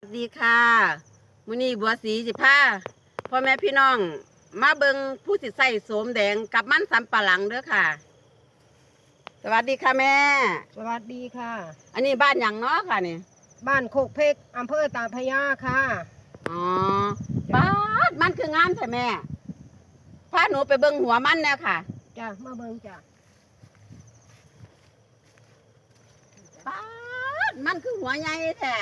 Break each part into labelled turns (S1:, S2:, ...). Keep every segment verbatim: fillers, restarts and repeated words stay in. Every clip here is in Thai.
S1: สวัสดีค่ะมื้อนี้บัวสีสิพาพ่อแม่พี่น้องมาเบิงผู้สิใส่โสมแดงกับมันสำปะหลังเด้อค่ะสวัสดีค่ะแม่
S2: สวัสดีค่ะ
S1: อันนี้บ้านหยังเนาะค่ะนี่
S2: บ้านโคกเพกอำเภอตาพระยาค่ะ
S1: อ๋อบ้านมันคืองามใช่แม่พาหนูไปเบิงหัวมันแน่ค่ะ
S2: จ้ะมาเบิงจ้ะ
S1: บ้านมันคือหัวใหญ่แท้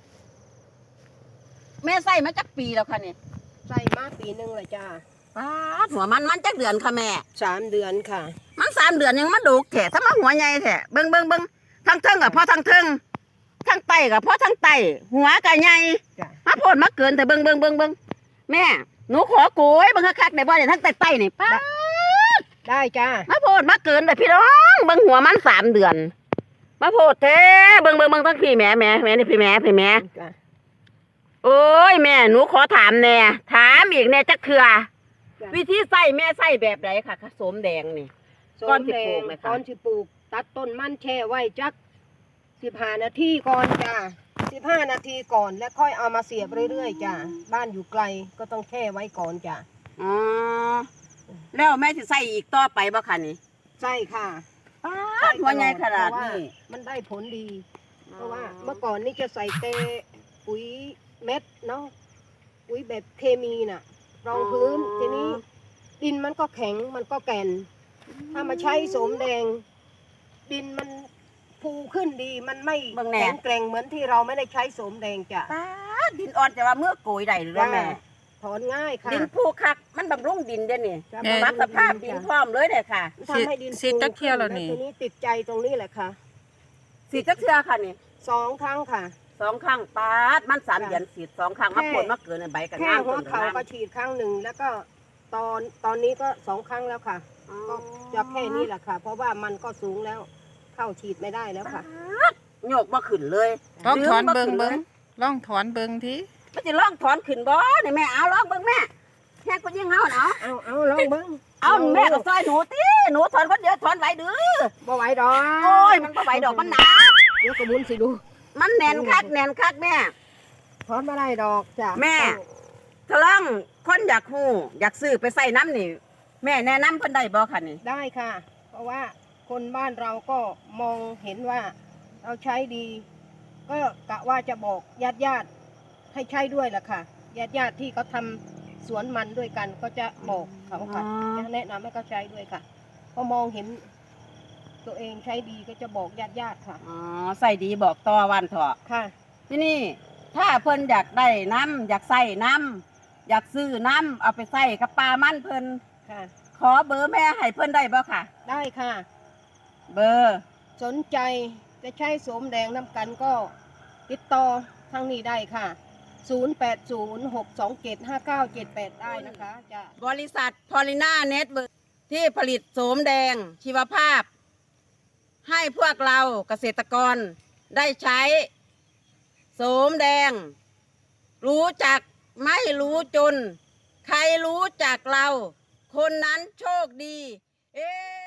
S1: แม่ใส่มาจักปีแล้วค่ะนี่
S2: ใส่มาปีหนึ่งเลยจ้ะ
S1: บ้านหัวมันมันจักเดือนค่ะแม่
S2: สามเดือนค่ะ
S1: มันสามเดือนยังมาดูแท้ถ้ามาหัวใหญ่แท้เบิงเบิงเบิงทั้งเทิงกับพ่อทั้งเทิงทั้งไตกับพ่อทั้งไตหัวกับใหญ่มาโพดมาเกินแต่เบิงเบิงเบิงเบิงแม่หนูขอโกยเบิงคักๆได้บ่เนี่ยทั้งไตไตนี่ป้า
S2: ได้จ้า
S1: มาโพดมาเกินแต่พี่น้องเบิงหัวมันสามเดือนมาโพดแท้เบิงเบิงเบิงทั้งพี่แม่แม่แม่นี่พี่แม่พี่แม่โอ้ยแม่หนูขอถามแน่ถามอีกแน่จักเถื่อวิธีใส่แม่ใส่แบบไหนค่ะโสมแดงนี่
S2: ก้อนสิปลูกก้อนสิปลูกตัดต้นมันแช่ไว้จักสิบห้านาทีก่อนจ้าสิบห้านาทีก่อนแล้วค่อยเอามาเสียบเรื่อยๆจ้าบ้านอยู่ไกลก็ต้องแช่ไว้ก่อนจ้า
S1: อ๋อแล้วแม่จะใส่อีกต่อไปบ่คะนี่
S2: ใช่ค่ะ
S1: หัวใหญ่ขนาดนี้
S2: มันได้ผลดีเพราะว่าเมื่อก่อนนี่จะใส่เตปุ๋ยเม็ดเนาะปุ๋ยแบบเคมีน่ะรองพื้นทีนี้ดินมันก็แข็งมันก็แก่นถ้ามาใช้โสมแดงดินมันฟูขึ้นดีมันไม่แข็งแกร่งเหมือนที่เราไม่ได้ใช้โสมแดงจ้ะ
S1: ดินอ่อนแต่ว่าเมื่อโกยได้หรือแม่
S2: ถอนง่ายค่ะ
S1: ดินฟูคักมันบำรุงดินเด้นี่ปรับสภาพดินพร้อมเลยเด้ค่ะ
S2: ทำให้ดินฟู
S3: จักเที่ยวแล้วนี่
S2: ทีนี้ติดใจตรงนี้แหละค่ะ
S1: สีจักเที่ยวค่ะนี่
S2: สองครั้งค่ะ
S1: สองครั้งปาดมันสามเดือนสีดสองครั้งมาผลมาเกินในใบกัน
S2: แค่หัวเขาก็ฉีดครั้งหนึ่งแล้วก็ตอนตอนนี้ก็สองครั้งแล้วค่ะก็จะแค่นี้แหละค่ะเพราะว่ามันก็สูงแล้วเข้าฉีดไม่ได้แล้วค่ะ
S1: โยกมาขึ้นเลย
S3: ลองถอนเบิงเบิงลองถอนเบิงที
S1: มันจะลองถอนขึ้นบ่นี่แม่เอาลองเบิงแม่แค่ก็ยิ่งเอาเนาะ
S2: เอาเอาลองเบิง
S1: เอาแม่ก็ซอยหนูตีหนูถอนคนเดียวถอนไหวดื้อ
S2: บ่ไหวดอก
S1: โอ้ยมันบ่ไหวดอกมันหนา
S2: เดี๋ยวกระมุนสิดู
S1: มันแน่นคักแน่นคักแม่
S2: ถอนมาได้ดอกจ้ะ
S1: แม่ทะลังคนอยากหูอยากซื้อไปใส่น้ำนี่แม่แนะนำเพิ่นได้บ่คะนี่
S2: ได้ค่ะเพราะว่าคนบ้านเราก็มองเห็นว่าเราใช้ดีก็กะว่าจะบอกญาติญาติให้ใช้ด้วยแหละค่ะญาติญาติที่เขาทำสวนมันด้วยกันก็จะบอกเขาค่ะจะแนะนำให้เขาใช้ด้วยค่ะพอมองเห็นตัวเองใช้ดีก็จะบอกญาติญาติค่ะ
S1: อ๋อใส่ดีบอกต่อวันเถอะ
S2: ค่ะ
S1: ที่นี่ถ้าเพิ่นอยากได้น้ำอยากใส่น้ำอยากซื้อน้ำเอาไปใส่กับปลามันเพิ่น
S2: ค่ะ
S1: ขอเบอร์แม่ให้เพิ่นได้บ่ค่ะ
S2: ได้ค่ะ
S1: เบอร์
S2: สนใจจะใช้โสมแดงน้ำกันก็ติดต่อทางนี้ได้ค่ะศูนย์ แปด ศูนย์ หก สอง เจ็ด ห้า เก้า เจ็ด แปดได้นะคะจะ
S1: บริษัทพอลิน่าเน็ตเวิร์คที่ผลิตโสมแดงชีวภาพให้พวกเราเกษตรกรได้ใช้โสมแดงรู้จักไม่รู้จนใครรู้จักเราคนนั้นโชคดีเอ๊